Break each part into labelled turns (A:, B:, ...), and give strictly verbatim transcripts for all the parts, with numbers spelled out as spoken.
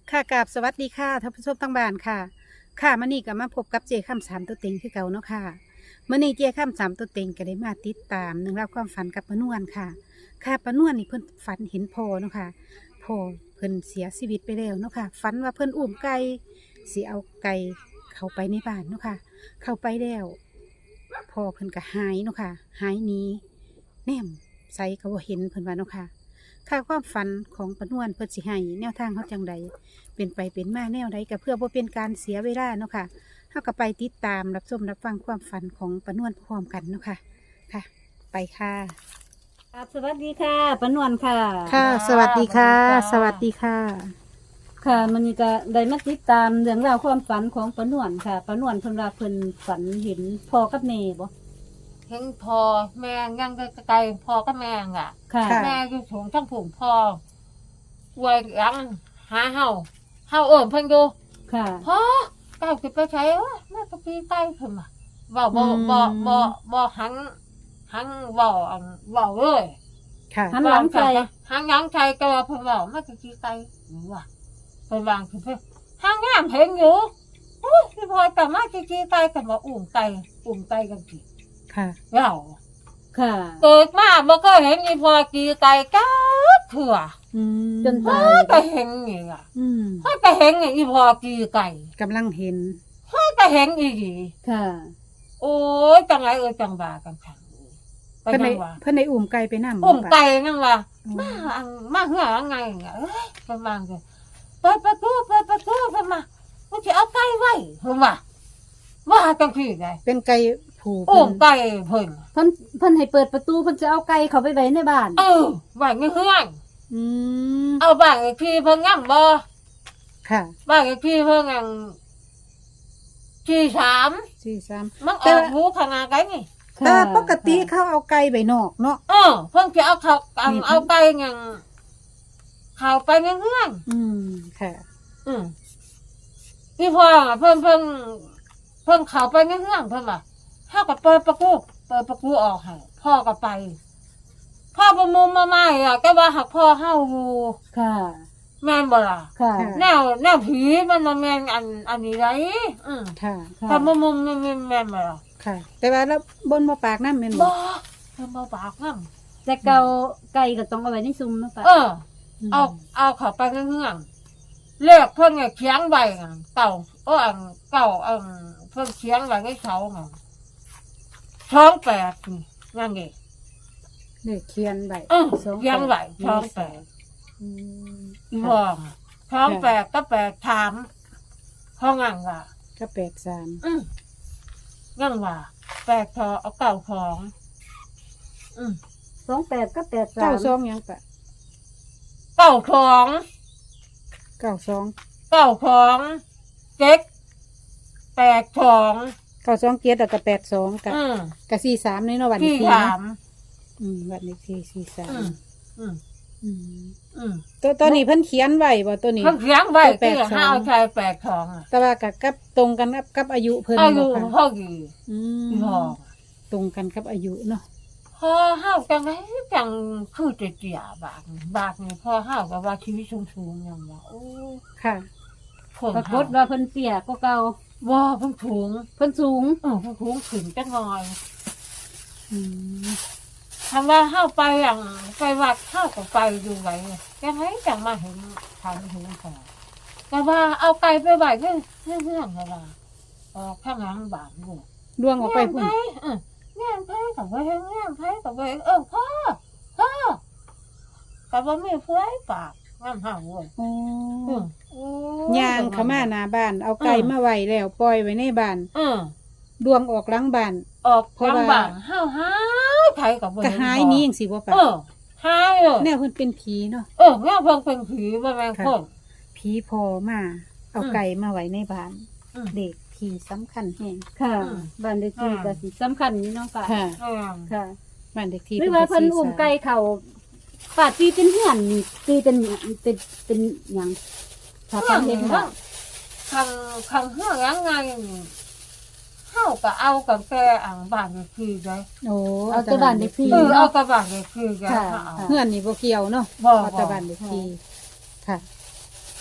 A: ค่ะกราบสวัสดีค่ะท่านผู้ชมทั้งบ้านค่ะ ค่ะมื่อนี้ก็มาพบกับเจาข้ามสามตัวเต็งคือเก่าเนาะค่ะมื่อนี้เจาข้ามสามตัวเต็งก็ได้มาติดตามหนึ่องราวความฝันกับปานวนค่ะ ค่ะปานวนนี่เพิ่นฝันเห็นพ่อเนาะค่ะพ่อเพิ่นเสียชีวิตไปแล้วเนาะค่ะฝันว่าเพิ่นอุ้มไก่สิเอาไก่เข้าไปในบ้านเนาะค่ะเข้าไปแล้วพ่อเพิ่นก็หายเนาะค่ะหายหนี้แนมใส่ก็บ่เห็นเพิ่นว่าเนาะค่ะ ค่าความฝันของปานวนเพิ่นสิให้แนวทางเขาจังใดเป็นไปเป็นมาแนวใดก็เพื่อบ่เป็นการเสียเวลาเนาะค่ะเฮาก็ไปติดตามรับชมรับฟังความฝันของปานวนพร้อมกันเนาะค่ะค่ะ ไปค่ะ
B: ครับสวัสดีค่ะปานวลค่ะ
A: ค่ะ สวัสดีค่ะ สวัสดีค่ะ
B: ค่ะมันนี่ก็ได้มาติดตามเรื่องราวความฝันของปานวลค่ะปานวลเพิ่นว่าเพิ่นฝันเห็นพ่อกับแม่บ่
C: เห็นพอแม่ยังไกลๆพอก็แม่งอ่ะ
B: ค่ะ
A: ค่ะ
C: แม่อยู่สูงทั้งผุ่มพอไว้ยังหาเห่าเห่าเอิ่มเพิ่นดู
B: ค่ะ
C: พ่อเก้าสิไปใช้วะแม่ตะกี้ใกล้เพิ่นมาบ่บ่
A: อืม
C: บ่บ่บ่หันหันบ่อันบ่เลย
A: ค่ะ
B: หันหลังใส่
C: หันหลังใส่ก็ว่าเพิ่นบ่แม่ตะกี้ใกล้หรือว่าเพิ่นวางคือเพิ่นหางามเห็นอยู่อุ้ยพี่พลอยกลับมาตะกี้ใกล้กันว่าอุ้มไก่อุ้มไก่กันสิ
A: ค่ะ
C: เรา
B: ค่ะ
C: เกิดมาบ่ก็เห็นอีพอกีไก่ก้าเถื่อ
A: อืม
B: จน
C: พ่อ
B: ตาย
C: ก็เห็นนี่อ่ะ
A: อืม
C: พ่อก็เห็นอีพอกีไก่
A: กำลังเห็น
C: พ่อก็เห็นอีหลี
B: ค่ะ
C: โอ้ยจังไรเอ้ยจังบากันขังก็
A: เพิ่น
C: ยั
A: ได้
C: งว่า
A: เพิ่นได้อุ้มไก่ไปนำ
C: อุ้มไก่นั่งว่า
A: อื
C: มาม อันมาเหือไงอ่ะเอ้ยประมาณกันเปิดประตูเปิดประตูเพิ่นมามันจะเอาไก่ไว้เพิ่นว่าว่าจังซี่ไง
A: เป็นไก่ผู
C: อุ้
A: เพิ่
C: ม
A: น
C: ไก่เพิ่น
B: เพิ่นเพิ่นให้เปิดประตูเพิ่นจะเอาไก่เข้าไปไว้ในบ้าน
C: เออไว้ในเฮือน
A: อืม
C: เอาบ้านอีกทีเพิ่นงำบ่
A: ค่ะ
C: บ้านเลขที่เพิ่งอันที่สาม
A: สี่สาม
C: มันอ
A: แต่
C: อกหูขนาดไงนี่
A: แต่
B: ค่ะ
A: ปกติเขาเอาไก่ไปนอกเนาะ
C: เออเพิ่งจะเอาเขาอัน
A: นี่
C: เอาไปอย่างเขาไปในเงื่อน
A: อืมค่ะ
C: อืมพี่พ่ออะเพิ่งเพิ่งเพิ่งเขาไปในเงื่อนเพิ่งอ่ะพ่อก็เปิดประตูเปิดประตูออกให้พ่อก็ไป พ่อประมุมมาใหม่อ่ะก็ว่าหักพ่อเฮาอยู่
B: ค่ะ
C: แม่นบ่ล่ะ
B: ค่ะ
A: ค่ะ
C: แนวแนวผีมันมาแม่นอันอันนี้ไรอืม
A: ค่ะ
B: ค่ะ
C: ถ้าประมุมมันแม่นแม่นบ่ล่ะ
A: ค่ะ แต่ว่าแล้วบนบ่ปากน้ำแม่นบ่
C: บ่เพิ่นบ่ปากนำ
B: แต่เก่าไก่ก็ต้องเอาไว้ในซุ้มเนาะป้า
C: เออ เอาเอาเขาไปเงื่อนๆเลขเพิ่นเนี่ยเขียงไว้อะเก่าโอ้อันเก่าอันเพิ่นเขียงไว้ในเสาไงท้องแปดนี่นั่นเอง
A: เลขเขียนไว้
C: เออ
A: สอง
C: เขียงไว้ท้องแปด
A: อืม
C: อีพองท้องแปดก็แปดถามห้องงังว่า
A: ก็แปดสาม
C: อืมงังว่าแปดทอเอาเก่าของอืม
B: สองแปดก็แปดสา
A: เก้าม สองยังปะ
C: เก่าของ
A: เก้าสอง
C: เก่าของเจ็ดแปดของ
A: เก้าสองเกียรติกับแปดสองกับ
C: อืม
A: กับสี่สามนี่เนาะวัน
C: ที่
A: ที่
C: ถา
A: เนาะ
C: ม
A: อืมวันนี้ที่สี่สา
C: อื
A: ม
C: มอืม
A: อืม
C: อืม
A: ตัวตัวนี้เพิ่นเขียนไว้บ่ตัวนี้
C: เพิ่งเลี้ยงไว้
A: แป
C: ที่
A: ดสอง
C: ห้าชายแปดทองอ่ะ
A: แต่ว่ากับกับตรงกันกับกับอายุเพิ่น
C: อายุ
A: บ่ค่ะ
C: พ่อดี
A: อืม
C: พ่อ
A: ตรงกันกับอายุเนาะ
C: พ่อห้าวจังไงจังคือจะเจียบากนี่บากนี่พ่อห้าวกับว่าชีวิตสูงๆอย่างว่าโอ้
A: ค่ะ
C: คน
B: ปราก
C: ห้า
B: ฏว่าเพิ่นเตี้ยก็เก่า
C: ว่าเพิ่งถุง
B: เพิ่นสูง
C: เออเพิ่งถุงขึ้นจังหน่อย
A: อืม
C: ทำว่าห้าวไปอย่างไปวัดห้าวก็ไปดูไว้จังไงจังมาเห็นทางเห็นพ่อแต่ว่าเอาไก่ไปไว้เพื่อนเพื่อนๆอะไรออกข้างหลังบานลูก
A: ดวงออกไปพุ่น
C: แง่ไพ่กับว่าแง่ไพ่กับว่าเออพ่อพ่อกับว่าไม่เพื่อปากงามห่าเว้ย
A: โอ้
C: อืม
A: ย่างเข้ามาหน้าบ้าน เอาไก่มาไว้แล้วปล่อยไว้ในบ้าน
C: อืม
A: ดวงออกหลังบ้าน
C: ออก
A: เพราะ
C: ลำ
A: ว่า
C: บากห้าวห้าวไทยกับว่า
A: ก็หายหนี้จังซี่บ่ปะ
C: เออหายเลย
A: แนวเพิ่นเป็นผีเนาะ
C: เออแง่เพิ่งเป็นผีว่าแมงคน
A: ผีพอมา เอา
C: อืม
A: ไก่มาไว้ในบ้าน
C: อืม
A: เด็กผีสำคัญแฮง
B: ค่ะ
C: อืม
B: บ้านเลขที่ก็สิสำคัญนี่เนาะป้า
A: ค่ะ
C: อืม
B: ค่ะ
A: บ้านเด็กที่
B: หรือว่าเพิ่นอุ้มไก่เขาป้าตีเป็นเหือนนี่ตีเป็นหยังเป็นเป็นหยังถ้า
C: ข้า
B: ป้าง เห็นว่า
C: ข้างข้างเฮือยังไงเข้ากับเอากับแกอ่างบ้านนี่คือไง
A: โอ้
B: เอาแต่บ้านเลขที่
C: เออเอากับบ้านนี่คือไง
B: ค่ะ
C: เอา
A: เพื่อนนี่บ่เกี่ยวเนาะ
C: บ่
A: เอาแต่บ้านเด็กที่ค่ะ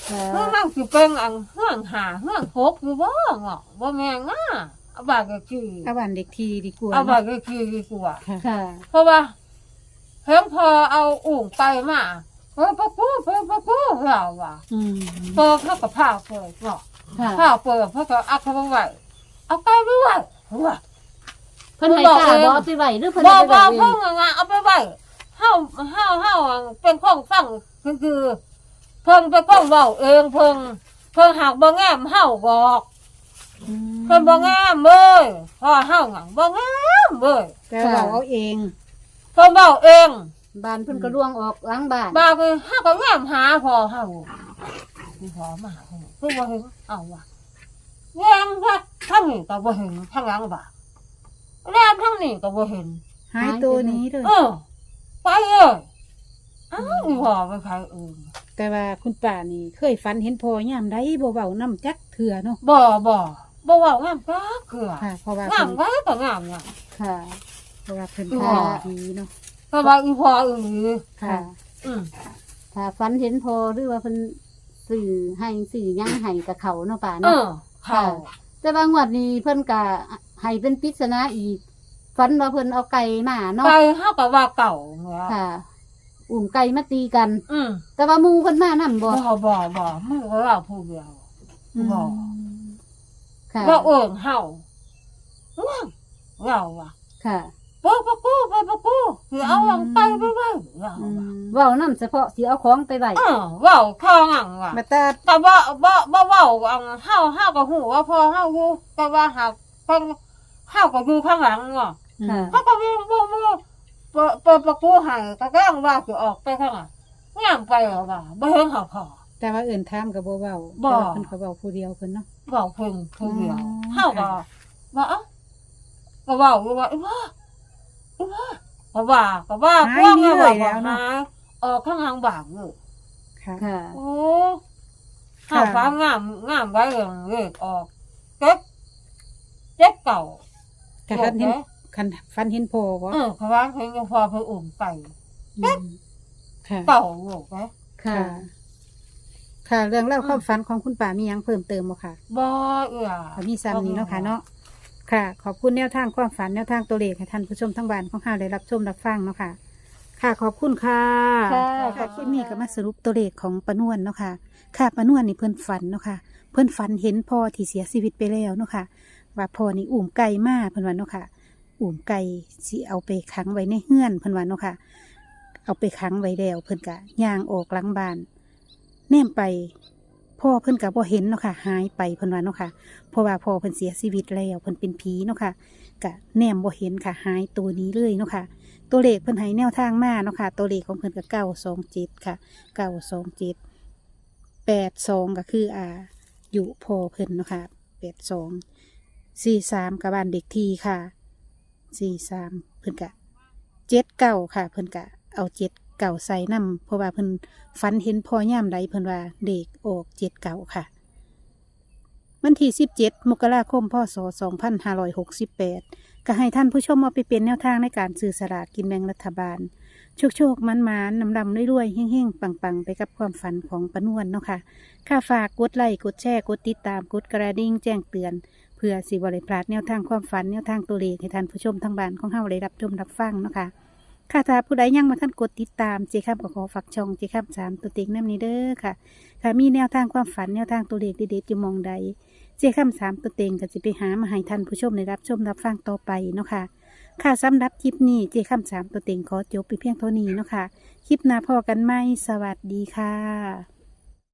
B: ค่ะ
C: เฮือนสิเป็นอันเฮือนหาเฮือนหกอยู่บ่เงาะบ่แม่นง่าเอาบาดก็คือ
A: เอาบ้านเด็กทีดีกว่า
C: เอาบาด
A: เนาะ
C: ก็คือดีกว่า
A: ค่ะ
B: ค่ะ
C: เพราะว่าเพิ่นพอเอาอุ่งไปมาเพิ่นปะกูเพิ่นปะกูเราว่า
A: อืม
C: เปิดเขาก็พาเปิดเนาะ
B: ค่ะ
C: พาเปิดเพิ่นก็เอาเข้าไปไว้เอาไปไว้ไว้ว่า
B: เพิ่นให้กล้าบ่เอาไปไว้หรือเพิ่น
C: บ่
B: เอาไป
C: บ่
B: ไว้เอ
C: เพิ่
B: ง
C: นงาเอาไปไว้เฮาเฮาเฮาเป็นคนฟังคือคือเพิ่นเป็นคนเว้าเองเพิ่นเพิ่นหักบ่แง้มเฮาบอก
A: อืม
C: เพิ่นบ่แง้มเอ้ยพอเฮาหยังบ่แง้มเอ้ย
A: แต่เราเอาเอง
C: เพิ่นเว้าเอง
B: บ้านเพิ่นก็ล่วงออกหลังบ้าน
C: บางทีเฮาก็แง้มหาพอเฮาพี่พอมาหาเฮาเพิ่นบ่เห็นเอาว่ะแง้มทักทั้งนี้ก็บ่เห็นทั้งหลังบ่าแง้มทั้งนี้ก็บ่เห็น
A: หายตัวนี้เลย
C: เออไปเลยอ้าวอีพ่อไปใครเอื่น
A: แต่ว่าคุณป้านี่เคยฝันเห็นพ่อยามใดบ่เว้านํจักเถื่อเนาะ
C: บ่บ่บ่เว่างามก็เกลือ
A: ค่ะ เพราะว่าง
C: าม
A: เพิ่น
C: ก็ก็งามเนี่ย
B: ค่ะ
A: เพราะว่าเพิ่น
C: อ๋
A: พา
C: อ
A: ดีเนาะ
C: ก็ว่าอีพ่ออื่น
A: ค่ะ
C: อืม
B: ถ้าฝันเห็นพอหรือว่าเพิ่นสื่อให้สื่อหยังให้กับเขาเนาะป่า
C: เอ
B: เนาะ
C: อเข้า
B: แต่ว่างวดนี้เพิ่นก็ให้เป็นปริศนาอีกฝันว่าเพิ่นเอาไก่มาเนาะ
C: ไปเฮาก็ว่าเก่าเนี่ย
B: ค่ะ อุ่มไก่มาตีกัน
C: อืม
B: แต่ว่าหมูเพิ่นมานํบ่
C: บ่บ่บ่มึงก็ว่าผู้เดียว
A: อืม
C: บ่
B: ค่ะ
C: ว่าเอิ้นเฮาว้าวเราว่ะ
B: ค่ะ
C: เปิดประตูเปิดประตูคือเอาหลังไปไปไว้เรา
A: อื
C: ว่ะ
A: ม
B: เว้านํเฉพาะสิเอาของไปไว้
C: เออเว้าข้างหลังว่ะ
A: มาตา
C: แต่ว่าบ่บ่เว้าอันเฮาเฮาก็ฮู้ว่าพอเฮาอยู่แต่ว่าหากเพิ่นเฮาก็อยู่ข้างหลังเนาะ
B: ค่ะ
C: เฮาก็มีบ่บ่เปิดเปิดประตูให้ก็กำลังว่าสิออกไปข้างหลังย่างไปแล้วว่าบ่เห็นเฮาพอ
A: แต่ว่าเอื่นถามก็บ่เว้า
C: บ่
A: แต่ว่าเพิ่นก็เว้าผู้เดียวเพิ่นเนาะ
C: เว้าเพิ่นผู้เดียว
A: อืม
C: เฮาก็ว่าเอ้าก็เว้าอยู่ว่าอีว่าอีว่าก็ว่าก็ว่าพวกนี้ว่าบ่หาออกข้างหลังบ้านเด้อ
A: ค่ะ
B: ค่ะ
C: โอ้ข้าวฟ้างามงามไว้เลยเลขออกเก็บเจ็บเก่า
A: แต่คันเห็นคันฝันเห็นพ่อบ่
C: เออเขาว่าเพิ่นยังพอเพิ่นอุ่มไป
A: อืมค่ะ
C: เก่าโลกไหม
B: ค่ะ
A: ค่ะ ค่ะ เรื่องเล่าวความฝันของคุณป้ามีหยังเพิ่มเติมบ่ค่ะ
C: บ่เอื้อ
A: ก็มีซ้ำนี้เนาะค่ะเนาะ ค่ะ ขอบคุณแนวทางความฝันแนวทางตัวเลขให้ท่านผู้ชมทั้งบ้านของเราได้รับชมรับฟังเนาะค่ะ ค่ะ ขอบคุณค่ะ
B: ค่ะ
A: ค่ะคลิปนี้ก็มาสรุปตัวเลขของปานวนเนาะค่ะ ค่ะปานวนนี่เพิ่นฝันเนาะค่ะ เพิ่นฝันเห็นพ่อที่เสียชีวิตไปแล้วเนาะค่ะ ว่าพ่อนี่อุ้มไก่มาเพิ่นว่าเนาะค่ะ อุ้มไก่สิเอาไปขังไว้ในเฮือนเพิ่นว่าเนาะค่ะ เอาไปขังไว้แล้วเพิ่นก็ย่างออกหลังบ้านแนมไป พ่อเพิ่นก็บ่เห็นเนาะค่ะ หายไปเพิ่นว่าเนาะค่ะ เพราะว่าพ่อเพิ่นเสียชีวิตแล้วเพิ่นเป็นผีเนาะค่ะก็แนมบ่เห็นค่ะหายตัวนี้เลยเนาะค่ะ ตัวเลขเพิ่นให้แนวทางมาเนาะค่ะ ตัวเลขของเพิ่นก็เก้าสองเจ็ดค่ะเก้าสองเจ็ดแปดสองก็คืออ่าอยู่พ่อเพิ่นเนาะค่ะแปดสองสี่สามกับบ้านเด็กทีค่ะสี่สามเพิ่นก็เจ็ดเก้าค่ะ เพิ่นก็เอาเจ็ดเก่าใส่นำเพราะว่าเพิ่นฝันเห็นพ่อย่ามใดเพิ่นว่าเด็กออกเจ็ดเก่าค่ะ วันที่สิบเจ็ดมกราคมพศสองพันห้าร้อยหกสิบแปดก็ให้ท่านผู้ชมเอาไปเป็นแนวทางในการซื้อสลากกินแบ่งรัฐบาล โชคโชคมันมานนำดำรวยๆเฮ่งๆ ปังๆ ไปกับความฝันของปานวนเนาะค่ะค่าฝากกดไลค์กดแชร์กดติดตามกดกระดิ่งแจ้งเตือน เพื่อสิบริพลาดแนวทางความฝันแนวทางตัวเลขให้ท่านผู้ชมทางบ้านของเฮาได้รับชมรับฟังเนาะค่ะค่ะถ้าผู้ใดยังมาท่านกดติดตามเจค้ามก็ขอฝากช่องเจค้ามสามตัวเต็งน้ำนี้เด้อค่ะค่ะมีแนวทางความฝันแนวทางตัวเลขเด็ดๆอยู่หมองใด เจ้าคำสามตัวเต็งก็จะไปหามาให้ท่านผู้ชมได้รับชมรับฟังต่อไปเนาะค่ะ ค่ะสำหรับคลิปนี้เจ้าคำสามตัวเต็งขอจบไปเพียงเท่านี้เนาะค่ะ คลิปหน้าพอกันไหมสวัสดีค่ะ